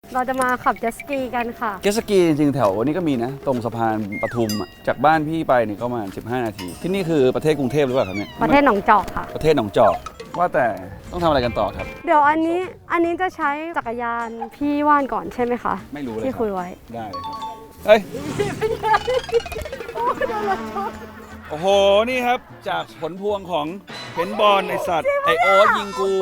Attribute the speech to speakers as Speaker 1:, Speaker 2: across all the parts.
Speaker 1: เราจะมาขับเจ็ตสกีกันค่ะ
Speaker 2: เจ็ตสกีจริงๆแถวนี้ก็มีนะตรงสะพานปทุมจากบ้านพี่ไปนี่ก็ประมาณ15 นาทีที่นี่คือประเทศกรุงเทพหรือเปล่าครับเนี่ย
Speaker 1: ประเทศหนองจอกค่ะ
Speaker 2: ประเทศหนองจอกว่าแต่ต้องทำอะไรกันต่อครับ
Speaker 1: เดี๋ยวอันนี้จะใช้จักรยานพี่ว่านก่อนใช่ไหมคะ
Speaker 2: ไม่รู้เลย
Speaker 1: ที่คุยไว้
Speaker 2: ได้เลยครับเฮ้ยโอ้โหนี่ครับจากผลพวงของเพนบอลไอสัตว์ไอโอ๊ตยิงกู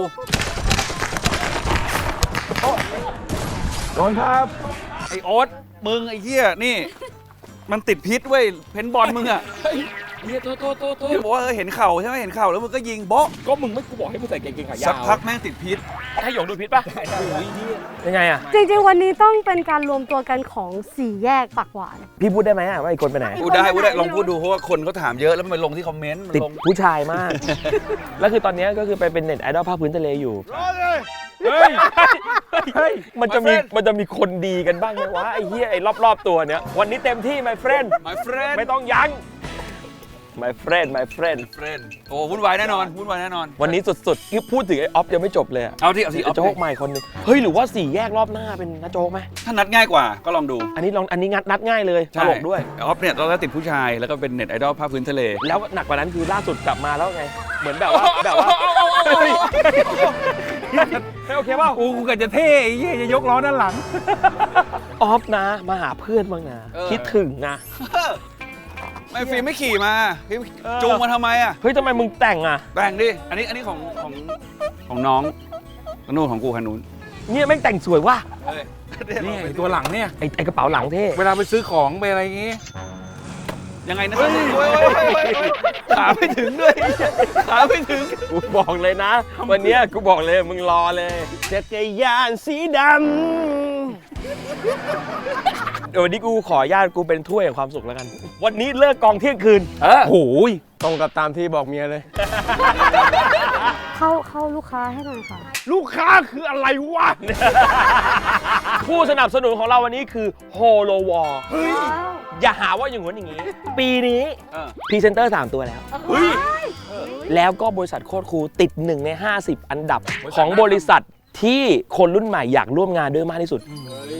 Speaker 2: โดนครับไอโอ๊ตมึงไอเหี้ยนี่มันติดพิษเว้ยเพนบอลมึงอะ
Speaker 3: เนี่ยโทษ
Speaker 2: ที่บอกว่าเห็นเข่าใช่ไหมเห็นเข่าแล้วมึงก็ยิงโบ๊ะ
Speaker 3: ก็มึงไม่กูบอกให้มึงใส่กางเกงขายาว
Speaker 2: สักพักแม่งติดพิษ
Speaker 3: ให้หยงดูพิษป่ะยังไงอ่ะ
Speaker 1: จริงๆวันนี้ต้องเป็นการรวมตัวกันของ4แยกปากหวาน
Speaker 3: พี่พูดได้ไหมว่าไอ้คนไปไหน
Speaker 2: พูดได้ลองพูดดูเพราะว่าคนเขาถามเยอะแล้วมันลงที่คอมเมนต์มัน
Speaker 3: ติด
Speaker 2: ลง
Speaker 3: ผู้ชายมาก แล้วคือตอนนี้ก็คือไปเป็นเน็ตไอดอลภาคพื้นทะเลอยู่
Speaker 2: เฮ้ย
Speaker 3: เฮ้ยมันจะมีคนดีกันบ้างไหมวะไอ้เหี้ยไอ้รอบๆตัวเนี้ยวันนี้เต็มที่ my friend
Speaker 2: my friend
Speaker 3: ไม่ต้องยั้ง my friend
Speaker 2: โอ้วุ่นวายแน่นอน
Speaker 3: วันนี้สุดๆพูดถึงไอ้ออฟยังไม่จบเลยอะ
Speaker 2: เอาที่ออฟ
Speaker 3: โจ๊กใหม่คนหนึงเฮ้ยหรือว่า4แยกรอบหน้าเป็นน้าโจ๊กไหม
Speaker 2: ถ้านัดง่ายกว่าก็ลองดู
Speaker 3: อันนี้นัดง่ายเลยตลกด้วย
Speaker 2: ออฟเนี่ยตอนแรกติดผู้ชายแล้วก็เป็นเน็ตไอดอลภาคพื้นทะเล
Speaker 3: แล้วหนักกว่านั้นคือล่าสุดกลับมาแล้วไง เหมือนแบบว่าไม่โอเคเปล่า
Speaker 4: กูกะจะเท่ไอ้เหี้ยจะยกล้อด้านหลัง
Speaker 3: ออฟนะมาหาเพื่อนบ้างนะคิดถึงนะ
Speaker 2: ไม่ฟิล์มไม่ขี่มาฟิล์มจูงมาทำไมอ่ะ
Speaker 3: เฮ้ยทำไมมึงแต่งอ่ะ
Speaker 2: แต่งดิอันนี้ของน้องนู่นของกูคันนู้น
Speaker 3: เนี่ยแม่งแต่งสวยว่ะ
Speaker 4: นี่ไอ้ตัวหลังเนี่ย
Speaker 3: ไอ้กระเป๋าหลังเท่
Speaker 4: เวลาไปซื้อของไปอะไรอย่างงี้
Speaker 2: ยังไงนะขาไม่ถึงด้วยขาไม่ถึง
Speaker 3: กูบอกเลยนะ วันเนี้ยกูบอกเลยมึงรอเลยจักรยานสีดำเดี๋ยววันนี้กูขออนุญาตกูเป็นถ้วยแห่งความสุขแล้วกัน วันนี้เลิกกองเที่ยงคืน
Speaker 4: โอ้ยตรงกับตามที่บอกเมียเลย
Speaker 1: เข้าลูกค้าให้หน่อยค่ะ
Speaker 3: ลูกค้าคืออะไรวะ ผู้สนับสนุนของเราวันนี้คือโฮโลวอลอย่าหาว่าอย่างงู้นอย่างนี้ ปีนี้พรีเซนเตอร์3ตัวแล้วแล้วก็บริษัทโคตรคูลติด1 ใน 50 อันดับของบริษัทที่คนรุ่นใหม่อยากร่วมงานด้วยมากที่สุด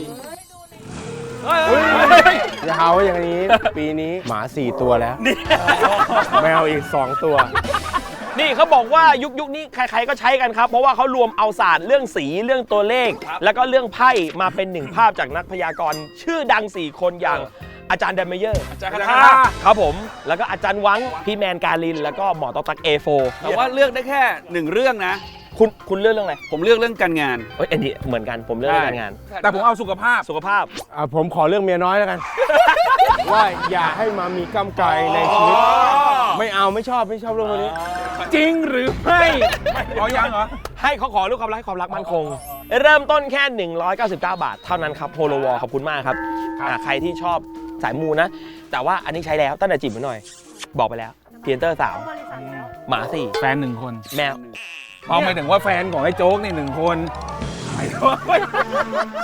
Speaker 4: อย่าหาว่าอย่างนี้ ปีนี้หมา4 ตัวแล้ว แมวอีก2 ตัว
Speaker 3: นี่เขาบอกว่ายุคนี้ใครๆก็ใช้กันครับ เพราะว่าเขารวมเอาศาสตร์เรื่องสีเรื่องตัวเลข แล้วก็เรื่องไพ่มาเป็นหนึ่งภาพจากนักพยากรณ์ชื่อดัง4 คนอย่างอาจารย์เดมเมเยอร์อาจารย์คาถาครับผมแล้วก็อาจารย์วังพี่แมนการินแล้วก็หมอต๊อกตัก A4
Speaker 2: แต่ว่าเลือกได้แค่1 เรื่องนะ
Speaker 3: คุณเลือกเรื่องอะไร
Speaker 2: ผมเลือกเรื่องการงาน
Speaker 3: เอ้ยอันนี้เหมือนกันผมเลือกเรื่องการงาน
Speaker 4: แต่ผมเอาสุขภาพ
Speaker 3: สุขภาพ
Speaker 4: ผมขอเรื่องเมียน้อยแล้วกัน ว่าอย่าให้มามีกำไกในชีวิต ไม่เอาไม่ชอบเรื่องพวกนี้ จริงหรือไม่เอายังเหรอ
Speaker 3: ให้เขาขอเรื่องความรักให้ความรักมั่นคง เริ่มต้นแค่ 199 บาท เท่านั้นครับโฮโลวอลขอบคุณมากครับใครที่ชอบสายมูนะ แต่ว่าอันนี้ใช้แล้วตั้งแต่จีบมาหน่อย บอกไปแล้วเพียนเตอร์3หมา4
Speaker 4: แฟน1 คน
Speaker 3: แมว
Speaker 4: เอาไม่ถึงว่าแฟนของไอ้โจ๊กนี่1 คนไอ้โจ๊ก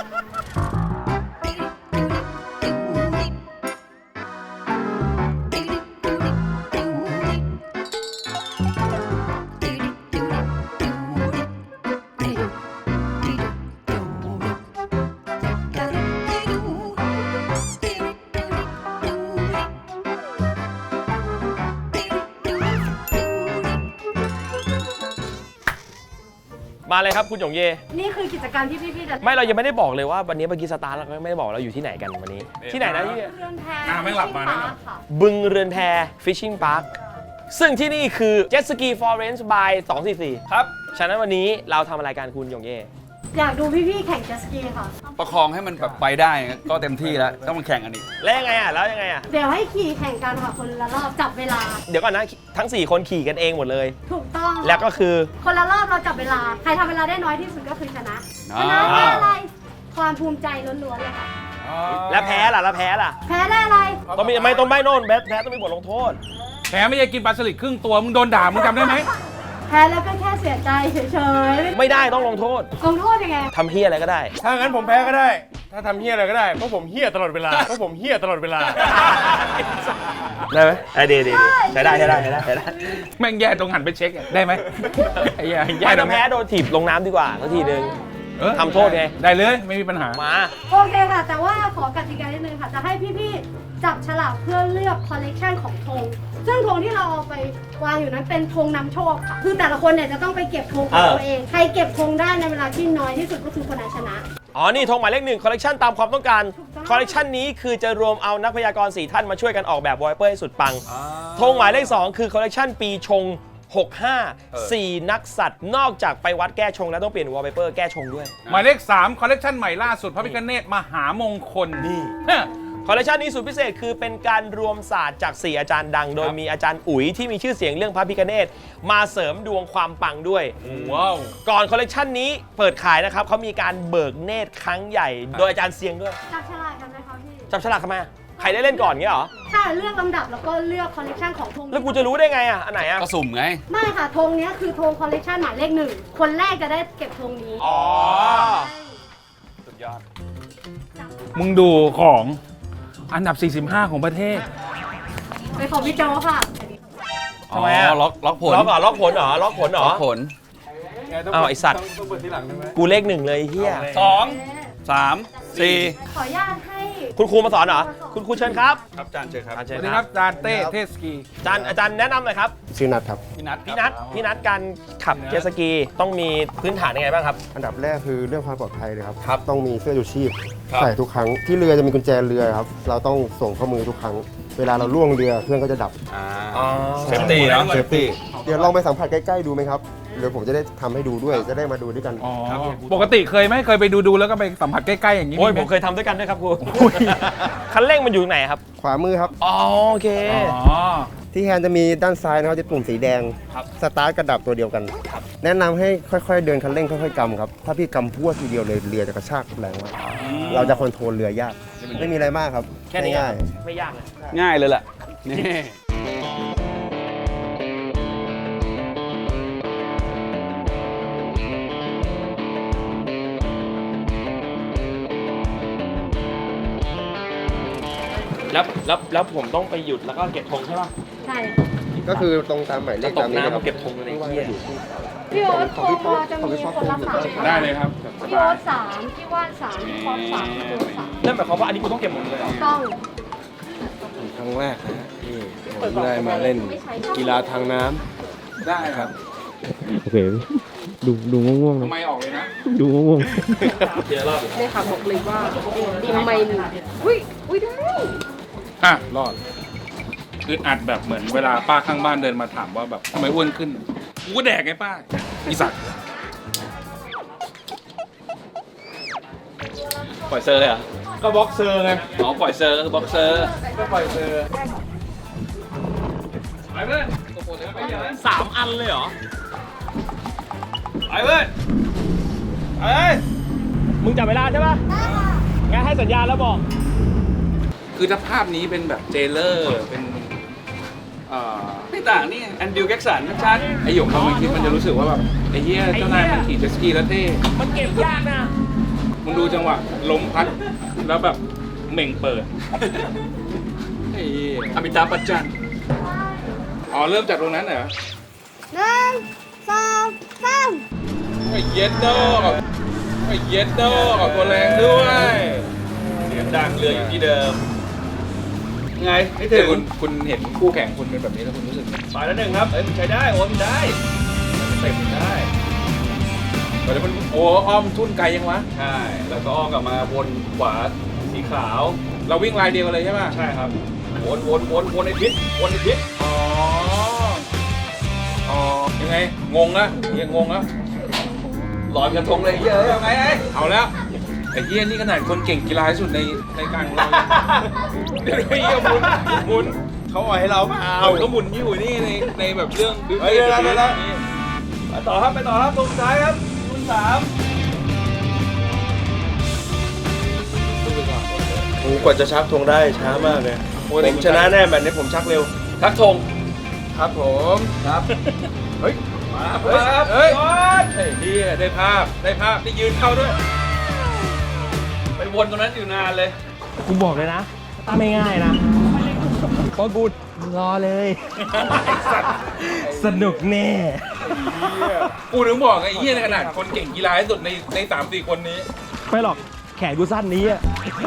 Speaker 3: มาเลยครับคุณหยงเย
Speaker 1: นี่คือกิจกรรมที่พี่ๆจะ
Speaker 3: ไม่เรายังไม่ได้บอกเลยว่าวันนี้เมื่อกี้สตาร์ทเราก็ไม่ได้บอกเราอยู่ที่ไหนกันวันนี้ ที่ไหนนะที่
Speaker 1: เรือนแพ
Speaker 4: ไม่หลับมานะ
Speaker 1: ค่ะ
Speaker 3: บึงเรือนแพ Fishing Park ซึ่งที่นี่คือ Jet Ski Forest by 244ครับฉะนั้นวันนี้เราทำอะไรกันคุณหยงเย
Speaker 1: อยากดูพี่ๆแข่งเจ็ตสกีค่ะ
Speaker 2: ประคองให้มันแบบไปได้ก็เต็มที่แล้วต้องมาแข่งกันอีก
Speaker 3: แล้วยังไงอ่ะแล้วยังไงอ่ะ
Speaker 1: เดี๋ยวให้ขี่แข่งกันค่ะคนละรอบจับเวลา
Speaker 3: เดี๋ยวก่อนนะทั้ง 4 คนขี่กันเองหมดเลย
Speaker 1: ถูกต้อง
Speaker 3: แล้วก็คือ
Speaker 1: คนละรอบเราจับเวลา ใครทำเวลาได้น้อยที่สุดก็คือชนะ
Speaker 2: อ่า
Speaker 1: ชนะได้อะไร ความภูมิใจล้วนๆเลยค่ะ
Speaker 3: แล้วแพ้ล่ะแล้วแพ้ล่ะ
Speaker 1: แพ้ได้อะไร
Speaker 3: ต้องมีไม่ต้องไม่โน่นแพ้ต้องมีบทลงโทษ
Speaker 4: แพ้ไม่ใช่กินปลาสลิดครึ่งตัว มึงโดนด่า มึงจำได้ไหม
Speaker 1: แพ้แล้วก็แค่เสียใจเฉย
Speaker 3: ไม่ได้ต้องลงโทษ
Speaker 1: ๆลงโทษยังไง
Speaker 3: ทำเฮียอะไรก็ได้
Speaker 4: ถ้างั้นผมแพ้ก็ได้ ถ้าทำเฮี้ยอะไรก็ได้ เพราะผมเฮี้ยตลอดเวลา
Speaker 3: ได้ไหมดีใช้ได้
Speaker 4: แม่งแย่ตรงหันไปเช็คอะได้ไหมไอ้แย่
Speaker 3: ไม่
Speaker 4: ตร
Speaker 3: ต้อง
Speaker 4: ง
Speaker 3: แพ้โดนถีบลงน้ำดีกว่าสักทีนึงทำโทษไง
Speaker 4: ได้เลยไม่มีปัญหา
Speaker 3: มา
Speaker 1: โอเคค่ะ แต่ว่าขอกติกานิดนึงค่ะ จะให้พี่ๆจับฉลากเพื่อเลือกคอลเลกชันของธงซึ่งธงที่เราเอาไปวางอยู่นั้นเป็นธงนำโชคค่ะ คือแต่ละคนเนี่ยจะต้องไปเก็บธงของตัวเอง ใครเก็บธงได้ในเวลาที่น้อยที่สุดก็คือคนนั้นชนะ
Speaker 3: อ๋อ นี่ธงหมายเลข1คอลเลกชันตามความต้องการ
Speaker 1: ถูกต้อง
Speaker 3: คอลเลกชันนี้คือจะรวมเอานักพยากรณ์4ท่านมาช่วยกันออกแบบวอลเปอร์ให้สุดปัง ธงหมายเลข 2 คือคอลเลกชันปีชง 65 4 นักสัตว์นอกจากไปวัดแก้ชงแล้วต้องเปลี่ยนวอลเปอร์แก้ชงด้วย
Speaker 4: หมายเลข 3 คอลเลกชันใหม่ล่าสุดพระพิฆเนศมหามงคล
Speaker 3: นี่
Speaker 4: ฮะ
Speaker 3: คอลเลกชันนี้สุดพิเศษคือเป็นการรวมศาสตร์จาก 4 อาจารย์ดัง โดยมีอาจารย์อุ๋ยที่มีชื่อเสียงเรื่องพระพิฆเนศมาเสริมดวงความปังด้วย
Speaker 4: ว้าว
Speaker 3: ก่อนคอลเลกชันนี้เปิดขายนะครับเขามีการเบิกเนตรครั้งใหญ่ โดยอาจารย์เซียงด้วย
Speaker 1: จับฉลากกันไหมคะพี่
Speaker 3: จับฉลากทำไมอะใครได้เล่นก่อนเงี้ยเหรอ
Speaker 1: ถ้าเลือกลำดับแล้วก็เลือกคอลเลกชันของธง
Speaker 3: แล้วกูจะรู้ได้ไงอ่ะ อันไหนอ่ะ
Speaker 2: ก็สุ่มไง
Speaker 1: ไม่ค่ะธงเนี้ยคือธงคอลเลกชันหมายเลข1คนแรกจะได้เก็บธงนี้
Speaker 3: อ๋อ
Speaker 2: สุดยอด
Speaker 4: มึงดูของอันดับ 45 ของประเทศ
Speaker 1: ไปของพี่โจค่ะ
Speaker 3: ทำไมอะ
Speaker 2: ล็อกผล
Speaker 3: ล็อกเหรอล็อกผลเหรอล็อกผลเหรอ
Speaker 2: ล็อกผล
Speaker 3: อ้าวไอสัตว์กูเลข1เลยไอ้เฮีย
Speaker 2: 2 3 4
Speaker 1: ขออนุญาตให้
Speaker 3: คุณครูมาสอนเหรอ คุณครูเชิญครับ
Speaker 2: ครับจานเชิญครับ
Speaker 3: อา
Speaker 4: ส
Speaker 3: เชิญ
Speaker 4: วัสดี
Speaker 3: ค
Speaker 4: ค
Speaker 3: รั
Speaker 4: รั
Speaker 3: บบ
Speaker 4: จานเต้เทสกี
Speaker 3: อาจารย์แนะนำหน่อยครับ
Speaker 5: ชื่อนัทครับ
Speaker 2: พี่นัท
Speaker 3: พี่นัทการขับเจ็ตสกีต้องมีพื้นฐานยังไงบ้างครับ
Speaker 5: อันดับแรกคือเรื่องความปลอดภัยเลยครับ
Speaker 3: ครับ
Speaker 5: ต้องมีเสื้อชูชีพ
Speaker 2: ครับ
Speaker 5: ใส่ทุกครั้ง ที่เรือจะมีกุญแจเรือครับ เราต้องส่งข้อมือทุกครั้ง เวลาเราล่วงเรือเครื่องก็จะดับ
Speaker 2: เซฟตี้เนาะเซฟตี้
Speaker 5: เดี๋ยวลองไปสัมผัสใกล้ๆดูไหมครับ เดี๋ยวผมจะได้ทำให้ดูด้วย จะได้มาดูด้วยกัน
Speaker 4: อ๋อปกติเคยไหมเคยไปดูแล้วก็ไปสัมผัสใกล้ๆอย่างนี้
Speaker 3: โอ้ย
Speaker 4: ไห
Speaker 3: ผมเคยทำด้วยกันด้วยครับครูคันเร่งมันอยู่ไหนครับ
Speaker 5: ขวามือครับ
Speaker 3: อ๋อโอเค
Speaker 4: อ๋อ
Speaker 5: ที่แฮนด์จะมีด้านซ้ายนะครับจะปุ่มสีแดง
Speaker 3: ครับ
Speaker 5: สตาร์ทกระดับตัวเดียวกัน แนะนำให้ค่อยๆเดินคันเร่งค่อยๆกำครับ ถ้าพี่กำพรวดทีเดียวเลยเรือจะกระชากแรงมาก เราจะคอนโทรลเรือยาก ไม่มีอะไรมากครับ
Speaker 3: แค่นี้
Speaker 5: ง่าย
Speaker 3: ไม่ยากเลย
Speaker 2: ง่ายเลยแหละนี่
Speaker 3: แล้วผมต้องไปหยุดแล้วก็เก็บธงใช่ป่ะ
Speaker 1: ใช่
Speaker 5: ๆก็คือตรงตามหมายเล
Speaker 3: จะ
Speaker 5: ข
Speaker 3: ต
Speaker 5: ตาก มนี้
Speaker 3: น้ำ
Speaker 5: นะค
Speaker 3: มา
Speaker 5: รับ
Speaker 3: เก็บธงเลยไอ้เหี้ย
Speaker 1: พี่โอ๊ตธงเราจะมีคนละ3
Speaker 4: ได้เลยครับ
Speaker 1: พี่โอ๊ต3พี่ว่าน3พี่ป๊อป3พี่โจ3
Speaker 3: นั่นหมายความว่าอันนี้กูต้องเก็บหมดเลยเหรอ
Speaker 1: ต้อง
Speaker 5: ครั้งแรกนะที่ผมได้มาเล่นกีฬาทางน้ำ
Speaker 4: ได้ครับ
Speaker 6: โอเค ดูง่วงๆ
Speaker 4: ทำ
Speaker 6: นะ
Speaker 4: ไมออกเลยนะ
Speaker 6: ดูง่วง
Speaker 3: เดี๋ยวรอบ
Speaker 1: เลยค่ะบอกเลยว่าดิมไม่มีอุ้ยได้
Speaker 4: อ่ะ รอดอึดอัดแบบเหมือนเวลาป้าข้างบ้านเดินมาถามว่าแบบทำไมอ้วนขึ้น กูก็แดกไงป้าอีสัตว์
Speaker 2: ปล่อยเซอร์เลยเหรอ
Speaker 4: ก็บ็อกเซอร์ไง
Speaker 2: อ๋อปล่อยเซอร์บ็อกเซอร์
Speaker 4: ก็ปล่อยเซอร์ไปเพื่อน
Speaker 3: 3 อันเลยเหรอ
Speaker 2: ไปเว้ยเอ้ย
Speaker 3: มึงจับเวลาใช่ป่ะงั้นให้สัญญาณแล้วบอก
Speaker 4: คือถ้าภาพนี้เป็นแบบเจเลอร์เป็น
Speaker 2: ไม่ต่างนี่แอนดิวแจ็กสันชัด
Speaker 4: ไอหยกเขาไม่คิดมันจะรู้สึกว่าแบบไอ้เหี้ยเจ้านายมันขี่เจ็ตสกีแล้วเท่
Speaker 3: มันเก็บยากนะ
Speaker 4: มึงดูจังหวะลมพัดแล้วแบบเหม่งเปิดไอ้เหี้ย
Speaker 2: อมิตาปัจจัน
Speaker 4: อ๋อเริ่มจากตรงนั้นเหรอ
Speaker 1: 1 2 3
Speaker 4: ไอ้เย็ดโดไอ้เย็ดโดออกตัวแรงด้วย
Speaker 2: เสียงดังเรืออยู่ที่เดิมไงไม่
Speaker 4: แต่
Speaker 2: ถึง
Speaker 4: คุณเห็นคู่แข่งคุณเป็นแบบนี้แล้วคุณรู้สึกไง
Speaker 2: ฝ่ายละ1ครับเอ้ยมันใช้ได้โอ้มันได้เต็มได้
Speaker 4: แล้วมันโอ้อ้อมทุ่นไกลยังวะ
Speaker 2: ใช่ แล้วก็อ้อมกลับมาวนขวาสีขาว
Speaker 4: เราวิ่งลายเดียวกันเลยใช่ป่ะ
Speaker 2: ใช่ครับวนในพิษวนในพิษ
Speaker 4: อ๋ออ๋อยังไงงงละยังงงละ
Speaker 2: ลอยกระทงเลยเยอะยังไงไอ้
Speaker 4: เอาแล้วไอ้เหี้ยนี่ขนาดคนเก่งกีฬาที่สุดในการของเราเดี๋ยวไอ้เหี้ยหมุนเขาอ่อยให้เราเปล่าเขาหมุนอยู่นี่ในแบบเรื่องดึง
Speaker 2: ไปต่อครับไปต่อครับตรงสุดท้ายครับรุ่น3
Speaker 5: กว่าจะชักธงได้ช้ามากเลยผมชนะแน่แบบนี้ผมชักเร็ว
Speaker 2: ทักธง
Speaker 4: ครับผม
Speaker 2: ครับ
Speaker 4: เฮ้ย
Speaker 2: มา
Speaker 4: เฮ้ย
Speaker 2: ครับ
Speaker 4: เฮ้ยไอ้เหี้ยได้ภาพได้ยืนเข้าด้วย
Speaker 2: ไปวนตรงนั้นอยู่นานเลย
Speaker 3: กูบอกเลยนะถ้าไม่ง่ายนะเพราะกูรอเลย สนุกแน่
Speaker 4: กูถึงบอกไอ้เหี้ยในขนาดคนเก่งกีฬาที่สุดใน3-4 คนนี้
Speaker 3: ไม่หรอกแขนกูสั้นนี้อะ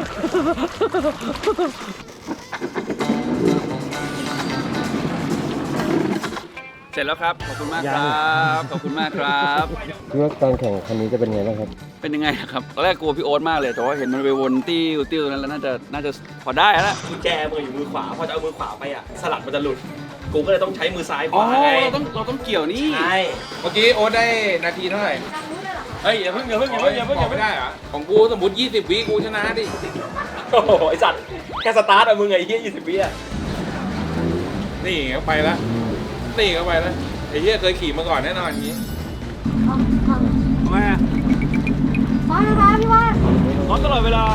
Speaker 2: เสร็จแล้วครับ ขอบคุณมากครับ ขอบคุณมากครับ
Speaker 5: คิดว่าการแข่งคันนี้จะเป็นไงบ้างครับ
Speaker 2: เป็นยังไงครับตอนแรกกลัวพี่โอ๊ตมากเลยแต่ว่าเห็นมันไปวนติ้วนั้นแล้วน่าจะพอได้แล้ว
Speaker 3: กุญแจมืออยู่มือขวาพอจะเอามือขวาไปอ่ะสลักมันจะหลุดกูก็เลยต้องใช้มือซ้ายข
Speaker 2: อ๋อ
Speaker 3: วาไง
Speaker 2: เราต้องเกี่ยวนี่
Speaker 3: ใช่
Speaker 4: เมื่อกี้โอ๊ตได้นาทีเท่าไหร่
Speaker 3: เฮ้ยอย่าเพิ่ง
Speaker 4: บอกไม่ได้เหรอของกูสมมติ20 วิกูชนะดิ
Speaker 3: โอ้โหไอสัตว์แค่สตาร์ทอะมึงไงเฮีย20 วิอะ
Speaker 4: นี่เข้าไปแล้วนี่เข้าไปแล้วไอ้เหี้ยเคยขี่มาก่อนแน่นอนอย่างนี้
Speaker 2: ทำไมอ่ะ
Speaker 1: พร้อมนะคะพี่ว่าน
Speaker 3: พร้อมตลอดเวลา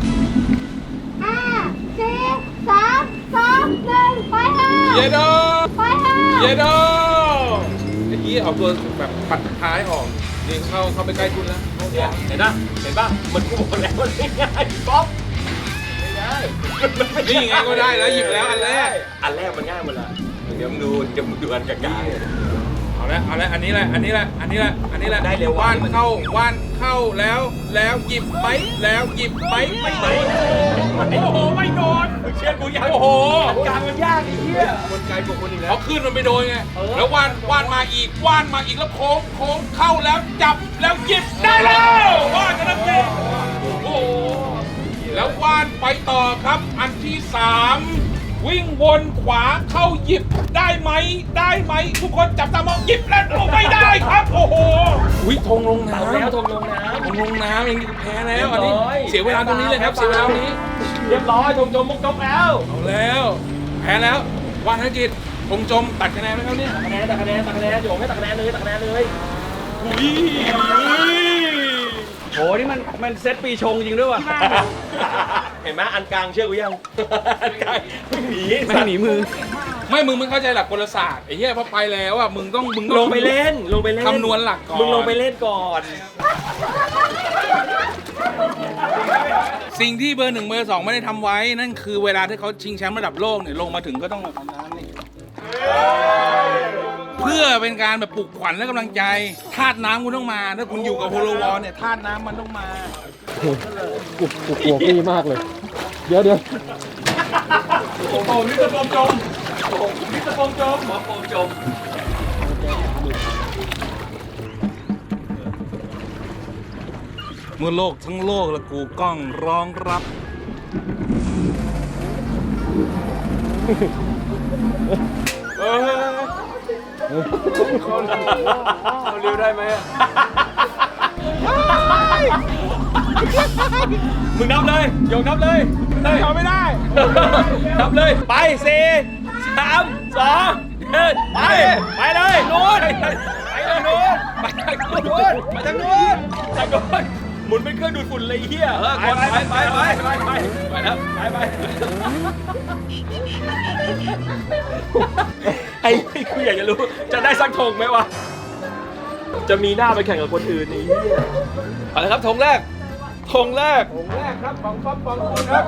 Speaker 1: 5 4 3 2 1ไปค่ะ
Speaker 4: เยโด
Speaker 1: ไปค่ะ
Speaker 4: เยโดไอ้เหี้ยเอาตัวแบบปัดท้ายออกนี่เข้าไปใกล้คุณแล้ว
Speaker 3: เนี่ยเห็นป่ะมันกูบอกแล้วมันไม่ง่ายป๊อปไม่ง่าย
Speaker 4: นี่ไงก็ได้แล้วหยิบแล้วอันแรก
Speaker 3: อันแรกมันง่ายหมดละเดี๋ยวมึงดูอันกลางๆ
Speaker 4: เอาละอันนี้แหละ
Speaker 3: ได้เร็ว
Speaker 4: ว่านเข้าแล้วหยิบไปแล้วหยิบไปไม่โดนโอ้โหไม่โดน
Speaker 3: เชื่อกูยัง
Speaker 4: โอ้โห
Speaker 3: กลางมันยากไอ้เหี้ย
Speaker 4: คนไกลกว่าคนอีกแล้วเขาขึ้นมันไปโดนไงแล้วว่านมาอีกแล้วโค้งเข้าแล้วจับแล้วหยิบได้แล้วว่านชนะเต้โอ้โหแล้วว่านไปต่อครับอันที่3วิ่งวนขวาเข้าหยิบได้ไหมทุกคนจับตามองหยิบแล้วไม่ได้ครับโอ้โหอุ้ยธงลงน้ำ
Speaker 3: แล้วทงลงน้
Speaker 4: ธงลงน้ำอย่างนี้แพ้แล้วอันนี้เสียเวลาตรงนี้เลยครับเสียเวลาตรงนี้
Speaker 3: ำเรียบร้อยทงจมมุกจบแล้ว
Speaker 4: เอาแล้วแพ้แล้วว่านธนกิจธงจมตัดคะแนนไหมครับเนี่ย
Speaker 3: ตัดคะแนนโยงให้ตัดคะแนนเลย
Speaker 4: อุ้ย
Speaker 2: โหนี่มันเซตปีชงจริงด้วยว่ะ
Speaker 3: เห็นไหมอันกลางเชื่อกูยังอันกลางไม่หนี
Speaker 2: ไม่หนีมือ
Speaker 4: ไม่มึงไม่เข้าใจหลักกลศาสตร์ไอ้เหี้ยพอไปแล้วอ่ะมึงต้อง
Speaker 3: ลงไปเล่น
Speaker 4: คำนวณหลักก่อน
Speaker 3: มึงลงไปเล่นก่อน
Speaker 4: สิ่งที่เบอร์ 1 เบอร์ 2ไม่ได้ทำไว้นั่นคือเวลาที่เขาชิงแชมป์ระดับโลกเนี่ยลงมาถึงก็ต้องมาทำน้ำนี่เพื่อเป็นการแบบปลุกขวัญและกำลังใจธาตุน้ำคุณต้องมาถ้าคุณอยู่กับโฮโลวอลเนี่ยธาตุน้ำมันต้องมา
Speaker 6: กูกลัวพี่มากเลย เดี๋ยว
Speaker 4: โอ้โหนี่จะโฟมจมนี่จะโฟมจม
Speaker 2: หมอโฟมจม
Speaker 4: เมื่อโลกทั้งโลกและกูกล้องร้องรับ
Speaker 3: เอาเร็วได้ไหมมึงนับเลยโยงนับเลยทำไม่ได้นับเลยไป4 3 2 1ไปเลยนู้นไปทางนู้นไปทางนู้นหมุนเป็นเครื่องดูดฝุ่นเลยเฮียไปแล้วไปไอ้กูอยากจะรู้จะได้สักธงไหมวะจะมีหน้าไปแข่งกับคนอื่นนี่เฮีย
Speaker 2: เอาละครับธงแรก
Speaker 4: ครับปองป๊อปปองคุณครับ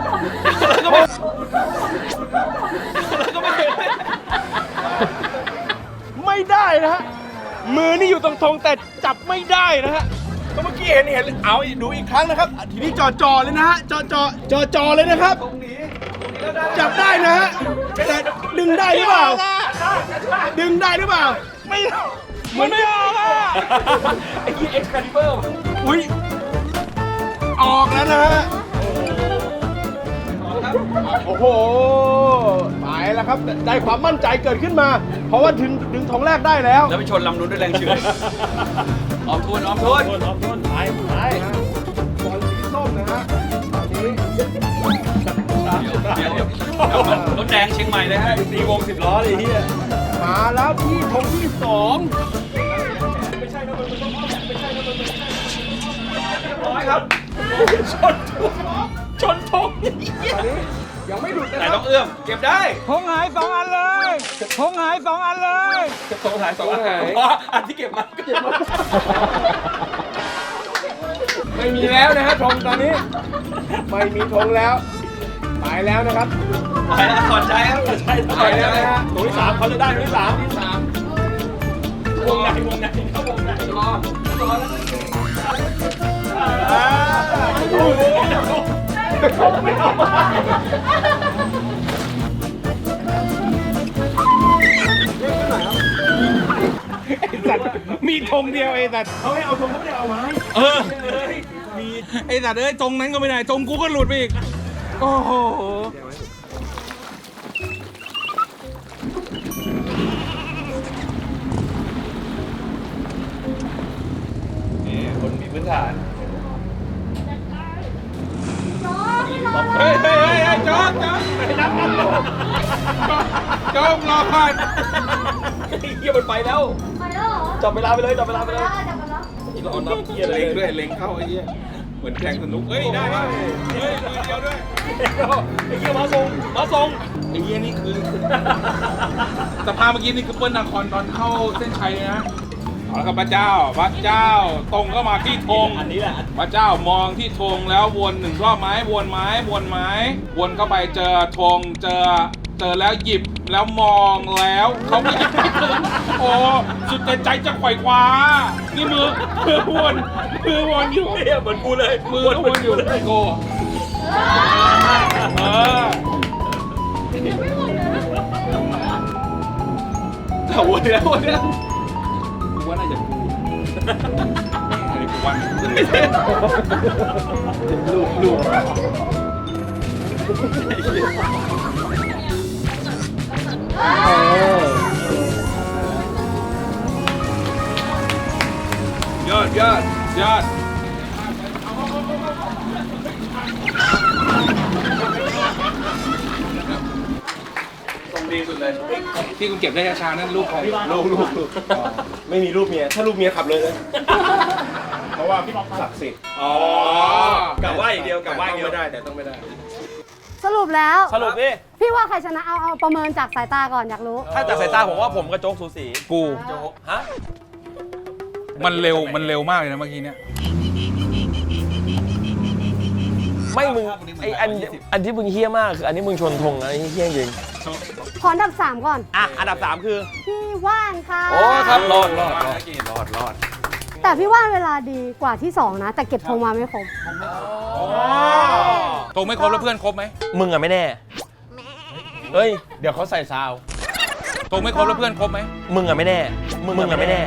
Speaker 3: ไม่ได้นะฮะมือนี่อยู่ตรงธงแต่จับไม่ได้นะฮะก็เมื่อกี้เห็นเอาดูอีกครั้งนะครับทีนี้จ่อเลยนะฮะจ่อเลยนะครับจับได้นะฮะแต่ดึงได้หรือเปล่าไม่มันไม่ออกอ่ะไอ้ยี่เอ็กซ์คาลิเบอร์อุ้ยออกแล้วนะฮะโอ้โหไปแล้วครับได้ความมั่นใจเกิดขึ้นมา เพราะว่าดึงธงแรกได้แล้ว
Speaker 2: แล้วไปชนลำนู้นด้วยแรงเฉื่อยออมทุน
Speaker 3: ไป
Speaker 4: บอลสีส้มนะฮะตอนนี้
Speaker 2: เดี๋ยวรถแดงเชียงใหม่เลยฮะ
Speaker 3: ตีวง10 ล้อเลยเฮีย
Speaker 4: มาแล้วที่ธงที่2
Speaker 3: ร้อยครับชนธง
Speaker 4: ยังไม่หลุดนะ
Speaker 2: แต่
Speaker 4: ครั
Speaker 2: ต้อบ งเอื้อมเก็บได้
Speaker 3: ธงหาย2 อันอันที่เก็บมา
Speaker 4: ไม่มีแล้วนะฮะธงตอนนี้ไม่มีธงแล้วไปแล้วนะครับ
Speaker 2: ไปแล้วถอดใจครับ
Speaker 3: ไปแล้วนะฮะตัวที่ 3เขาจะได้ตัวที่ 3 วงในเข้าวงในรอ
Speaker 4: มีธงเดียวไอ้สัตว์
Speaker 3: เขาให้เอาธงเขาไม่ได้เอาไม้
Speaker 4: เออไอ้สัตว์ธงนั้นก็ไม่ได้ธงกูก็หลุดไปอีกโอ้โหนี่คนมีพื้นฐานเฮ้ยจอดรอก่อน
Speaker 3: เฮียมันไปแล้ว
Speaker 1: ไปแล้วเหรอ
Speaker 3: จับเวลาไปเลยจับเวลาไปเลย
Speaker 1: จับไปแล้ว
Speaker 3: รอนับเฮียเลย
Speaker 4: เล็งด้วยเล็งเข้าไอ้เหี้ยเหมือนแทงสนุกเฮ้ยได้ป่ะเฮ้ยมือเดียวด้วย
Speaker 3: ไอ้เฮียมาส่ง
Speaker 4: ไอ้เหี้ยนี่คือสภาพเมื่อกี้นี่คือเปิ้ลนาครตอนเข้าเส้นชัยเลยนะเอาละครับพระเจ้าตรงเข้ามาที่ธง
Speaker 3: อันนี้แหละ
Speaker 4: พระเจ้ามองที่ธงแล้ววนหนึ่งรอบไม้วนเข้าไปเจอธงเจอแล้วหยิบแล้วมองแล้วเขาไม่หยิบไม่ถึงโอ้สุดแต่ใจจะไขว่คว้านี่มือวนอยู่
Speaker 3: เฮียเหมือนกูเลย
Speaker 4: มือวนอยู่ไอโก้แต่วนแล้วกูว่าน่าจะกูอันนี้กูว่าลูกยอดตรงดีสุดเลยที่คุณเก็บได้ช้าๆนั่นลูกใครลูก
Speaker 3: ไม่มีรูปเมียถ้ารูปเมียขับเลย
Speaker 5: เพราะว่าพี่ศักดิ์สิทธิ์
Speaker 3: อ๋อกลับว่าอย่างเดียวกลับว่าอย่างเดียว
Speaker 5: ไม่ได้แต่ต้องไม่ได้
Speaker 1: สรุปแล้ว
Speaker 3: สรุปดิ
Speaker 1: พี่ว่าใครชนะเอาประเมินจากสายตาก่อนอยากรู้
Speaker 3: ถ้าจากสายตาผมว่าผมกับโจ๊กสูสี
Speaker 4: กู
Speaker 3: โจ๊กฮะ
Speaker 4: มันเร็วมากเลยนะเมื่อกี้เนี่ย
Speaker 3: ไม่มึงไออันที่มึงเฮี้ยมากคืออันนี้มึงชนธงนะไอ้เฮี้ยจริง
Speaker 1: ขออันดับ 3 ก่อน
Speaker 3: อ่ะอันดับ 3 คือ
Speaker 1: พี่ว่านค่ะ
Speaker 3: โอ้ครับรอด
Speaker 1: แต่พี่ว่านเวลาดีกว่าที่ 2 นะ แต่เก็บธงมาไม่ครบ
Speaker 4: ตรงไม่ครบแล้วเพื่อนครบไหม
Speaker 3: มึงอะไม่แน่เฮ้ย
Speaker 6: เดี๋ยวเขาใส่ซาว
Speaker 4: ตรงไม่ครบแล้วเพื่อนครบไหม
Speaker 3: มึงอะไม่แน่มึงอะไม่แน่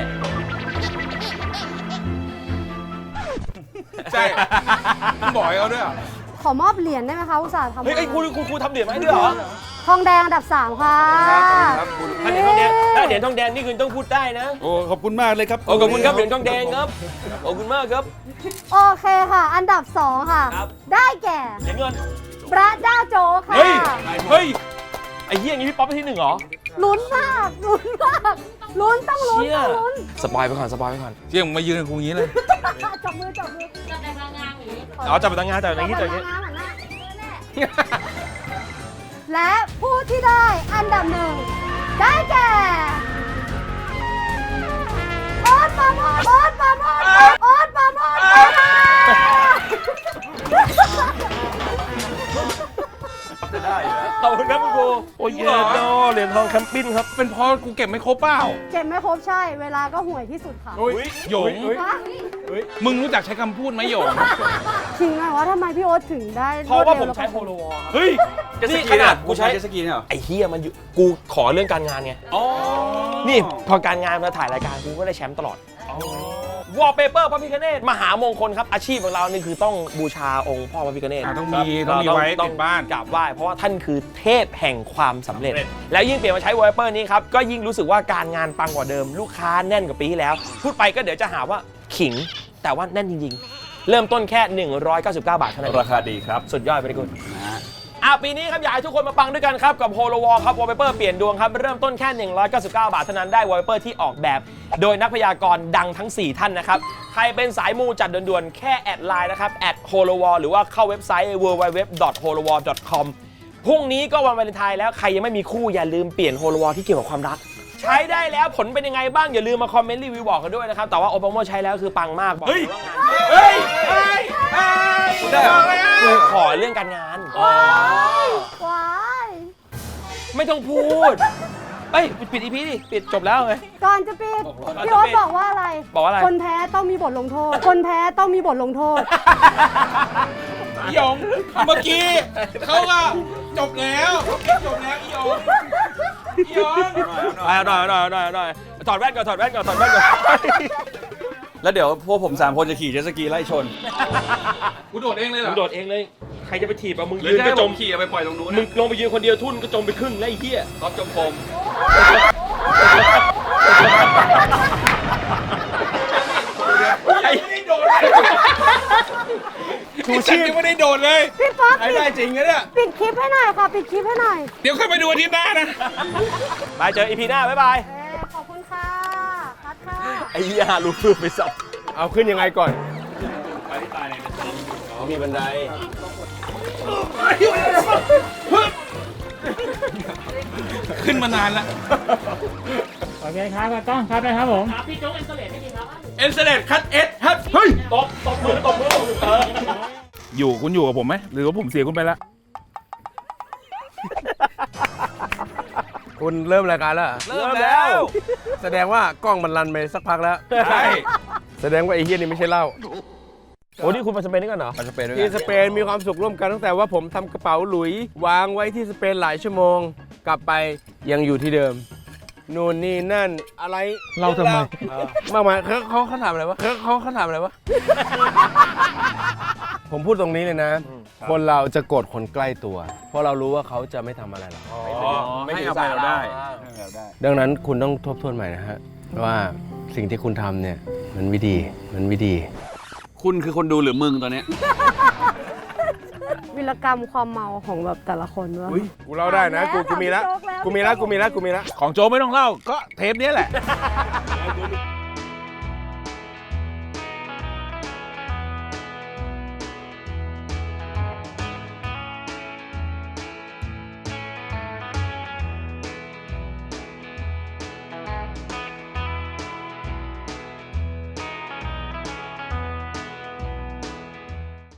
Speaker 4: ใช่มึงบอกให้เขาด้วยอ่ะ
Speaker 1: ขอมอบเหรียญได้ไหมคะอุตส่าห์ทำ
Speaker 3: เฮ้ยไอ้ครูทำเหรียญมาให้ด้วยเหรอ
Speaker 1: ทองแดงอันดับ 3 ค่ะ
Speaker 3: ถ้าเหรียญทองแดงนี่คือต้องพูดได้นะ
Speaker 2: โอ้ขอบคุณมากเลยครับ
Speaker 3: โอ้ขอบคุณครับเหรียญทองแดงครับขอบคุณมากครับ
Speaker 1: โอเคค่ะ อันดับ 2 ค่ะ
Speaker 3: ครับ
Speaker 1: ได้แก่
Speaker 3: เหรียญเงิน
Speaker 1: พระเจ้าโจ๊กค่ะ
Speaker 4: เฮ้ย
Speaker 3: ไอ้เหี้ยอย่างนี้พี่ป๊อปไปที่ 1เหรอ
Speaker 1: ลุ้นมากลุ้นต้องลุ้น
Speaker 3: เชี่ย
Speaker 1: ต้องลุ้น
Speaker 3: สปอยไปก่อน
Speaker 4: เที่ยงมายืนกับกูอย่างนี้เลย
Speaker 1: จับมือ
Speaker 3: อ๋อจับไปตั้งงานจับไปอย่างนี้จับอย่างนี้
Speaker 1: และผู้ที่ได้อันดับ 1 ได้แก่โอ๊ตปราโมทค่ะ
Speaker 3: ขอบคุณครับคุณครูโอ้ยเยอะดอเหรียญทองแคมปิ้นครับ
Speaker 4: เป็นเพราะกูเก็บไม่ครบเปล่า
Speaker 1: เก็บไม่ครบใช่ เวลาก็ห่วยที่สุดค่ะ
Speaker 4: หยง
Speaker 1: ฮะ
Speaker 4: มึงรู้จักใช้คำพูดไหมหยง
Speaker 1: จริงไหมว่าทำไมพี่โอ๊ตถึงได้
Speaker 3: เพราะว่าผม
Speaker 1: ดร็
Speaker 3: ใช้
Speaker 1: แล้ว
Speaker 3: โฮ
Speaker 1: ก็
Speaker 3: โลวอลครับ
Speaker 4: เฮ้ย
Speaker 3: นี่ขนาดกูใช้
Speaker 2: เจตสกีเนี่ยเหรอ
Speaker 3: ไอ้เฮียมันอยู่กูขอเรื่องการงานไง
Speaker 4: อ๋อ
Speaker 3: นี่พอการงานมาถ่ายรายการกูก็ได้แชมป์ตลอดวอลเปเปอร์พระพิฆเนศมหามงคลครับอาชีพของเรานี่คือต้องบูชาองค์พ่อพระพิฆเนศ
Speaker 4: ต้องมีไว้ติดบ้าน
Speaker 3: กราบไหว้เพราะว่าท่านคือเทพแห่งความสำเร็จ แล้วยิ่งเปลี่ยนมาใช้วอลเปเปอร์นี้ครับก็ยิ่งรู้สึกว่าการงานปังกว่าเดิมลูกค้าแน่นกว่าปีที่แล้ว พูดไปก็เดี๋ยวจะหาว่าขิงแต่ว่าแน่นจริงๆ เริ่มต้นแค่ 199 บาทเท่านั้น
Speaker 2: ราคาดีครับ
Speaker 3: สุดยอดไปเลยคุณปีนี้ครับอยากให้ทุกคนมาปังด้วยกันครับกับโฮโลวอลครับวอลเปเปอร์เปลี่ยนดวงครับเริ่มต้นแค่ 199 บาทเท่านั้นได้วอลเปเปอร์ที่ออกแบบโดยนักพยากรณ์ดังทั้ง 4 ท่านนะครับใครเป็นสายมูจัดด่วนๆแค่แอดไลน์นะครับแอดโฮโลวอลหรือว่าเข้าเว็บไซต์ www.holowall.com พรุ่งนี้ก็วันวาเลนไทน์แล้วใครยังไม่มีคู่อย่าลืมเปลี่ยนโฮโลวอลที่เกี่ยวกับความรักใช้ได้แล้วผลเป็นยังไงบ้างอย่าลืมมาคอมเมนต์รีวิวบอกกันด้วยนะครับแต่ว่าโอปาโมใช้แล้วคือปังมากบอกเลยว่างาน
Speaker 4: เฮ้ย
Speaker 3: ได้กูขอเรื่องการงาน
Speaker 1: ว้าย
Speaker 3: ไม่ต้องพูดเอ้ยปิดอีพีดิปิดจบแล้วไง
Speaker 1: ก่อนจะปิดพี่โอ๊ตบอกว่าอะไร
Speaker 3: บอกว่าอะไร
Speaker 1: คนแพ้ต้องมีบทลงโทษ คนแพ้ต้องมีบทลงโทษ
Speaker 4: อีหยงเมื่อกี้เขาก็จบแล้วจบแล้วอีหยงอีหยง
Speaker 3: เอาหน่อยถอดแว่นก่อนถอดแว่นก่อน
Speaker 2: แล้วเดี๋ยวพวกผม3คนจะขี่เจ็ตสกีไล่ชน
Speaker 4: กูโดดเองเลยเหร
Speaker 3: มึ
Speaker 4: อง
Speaker 3: โดดเองเลย ใครจะไปถีบอ่ะมึง
Speaker 2: หรื
Speaker 3: ยื
Speaker 2: อน จะ
Speaker 3: ก็
Speaker 2: ให้
Speaker 3: จ
Speaker 2: ผม มขี่เอาไปปล่อยตรงนู้น
Speaker 3: มึงลงไปยืนคนเดียวทุ่นก็จมไปครึ่งแล้วไอ้เหี้ย
Speaker 2: รอบจมพม
Speaker 3: ไอ้
Speaker 4: ไม่ได้โดดเลยชูชีพยังไม่ได้โดดเลย
Speaker 1: พี่ป๊อก
Speaker 2: ไอ้ได้จริงนะเนี่ย
Speaker 1: ปิดคลิปให้หน่อยค่ะ ปิดคลิปให้หน่อย
Speaker 4: เดี๋ยวค่อยไปดูอาทิตย์หน้านะ
Speaker 3: ไปเจออีพีหน้าบ๊ายบาย
Speaker 1: ขอบคุณค่ะคัดค่ะ
Speaker 3: ไอ้เหี้ยลูกฟืบไปสับ
Speaker 6: เอาขึ้นยังไงก่อน
Speaker 2: ไปที่ตายเนี่ย
Speaker 3: อ๋อมีบันได
Speaker 4: ขึ้นมานานแล้ว
Speaker 7: โอเคครับกล้องครับนะครับผม
Speaker 4: เอ็นเซเลตคัตเอสฮัทเฮ้ย
Speaker 3: ตบมือ
Speaker 4: คุณอยู่กับผมไหมหรือว่าผมเสียคุณไปแล้ว
Speaker 6: คุณเริ่มรายการแล้วเหรอ
Speaker 3: เริ่มแล้ว
Speaker 6: แสดงว่ากล้องมันรันไปสักพักแล้ว
Speaker 2: ใช่
Speaker 6: แสดงว่าไอ้เฮียนี่ไม่ใช่เหล้า
Speaker 3: โอ้นี่คุณไปสเปนนี่กันเหรอ
Speaker 2: ไปสเปนด้วย
Speaker 6: ที่
Speaker 2: กัน
Speaker 6: สเปนมีความสุขร่วมกันตั้งแต่ว่าผมทำกระเป๋าหลุยวางไว้ที่สเปนหลายชั่วโมง กลับไปยังอยู่ที่เดิม นู่นนี่นั่นอะไร
Speaker 7: เราทำไม
Speaker 6: มากมายเขาถามอะไรวะเขาถามอะไรวะ ผมพูดตรงนี้เลยนะ คนเราจะโกรธคนใกล้ตัว เพราะเรารู้ว่าเขาจะไม่ทำอะไรเรา
Speaker 2: ไม่ให้อภัยเราได้ให้อภัยเราได้
Speaker 6: ดังนั้นคุณต้องทบทวนใหม่นะฮะว่าสิ่งที่คุณทำเนี่ยมันไม่ดี
Speaker 2: คุณคือคนดูหรือมึงตอนเนี้ย
Speaker 1: วิรกรรมความเมาของแบบแต่ละคนว่า
Speaker 6: กูเล่าได้นะกูมีแล้ว
Speaker 1: ถามพี่โจ๊กแล้ว
Speaker 6: กูมีแล้ว
Speaker 4: ของโจไม่ต้องเล่าก็เทปนี้แหละ
Speaker 1: เ